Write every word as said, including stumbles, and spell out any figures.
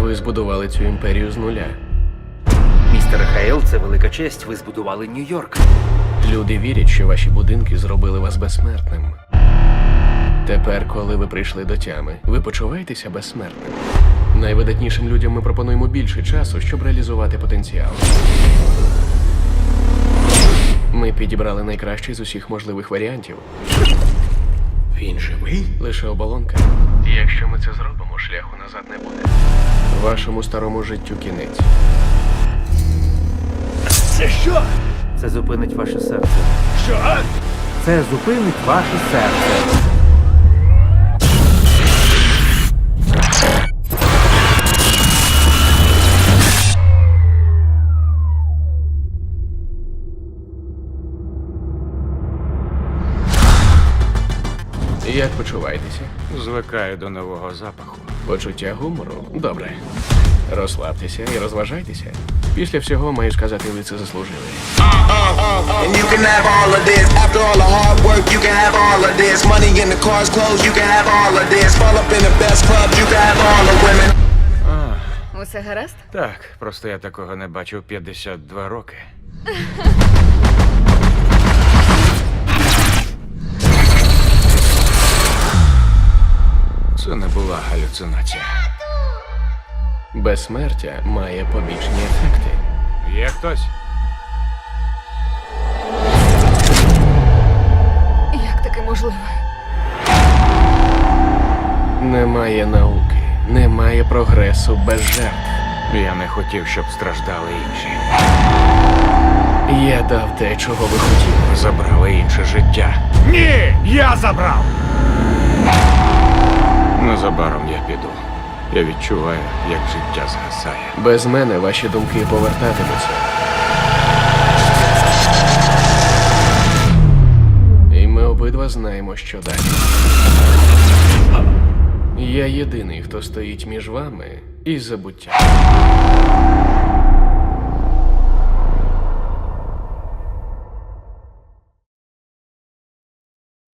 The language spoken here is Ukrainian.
Ви збудували цю імперію з нуля. Містер Хейл, це велика честь. Ви збудували Нью-Йорк. Люди вірять, що ваші будинки зробили вас безсмертним. Тепер, коли ви прийшли до тями, ви почуваєтеся безсмертним. Найвидатнішим людям ми пропонуємо більше часу, щоб реалізувати потенціал. Ми підібрали найкращий з усіх можливих варіантів. Він живий? Лише оболонка. Якщо ми це зробимо, шляху назад не буде. Вашому старому життю кінець. Це що? Це зупинить ваше серце. Що? Це зупинить ваше серце. Як почуваєтеся? Звикаю до нового запаху. Почуття гумору? Добре. Розслабтеся і розважайтеся. Після всього, маю сказати, ви це заслужили. And you can have all of this. After all the hard work, you can have all of this. Money in the cars, clothes, you can have all of this. Fall up in the best clubs, you can have all the women. Усе гаразд? Так, просто я такого не бачив п'ятдесят два роки. Це не була галюцинація. Безсмертя має побічні ефекти. Є хтось? Як таке можливо? Немає науки, немає прогресу без жертв. Я не хотів, щоб страждали інші. Я дав те, чого ви хотіли. Забрали інше життя. Ні, я забрав. Незабаром я піду. Я відчуваю, як життя згасає. Без мене ваші думки повертатимуться. І ми обидва знаємо, що далі. Я єдиний, хто стоїть між вами і забуттям.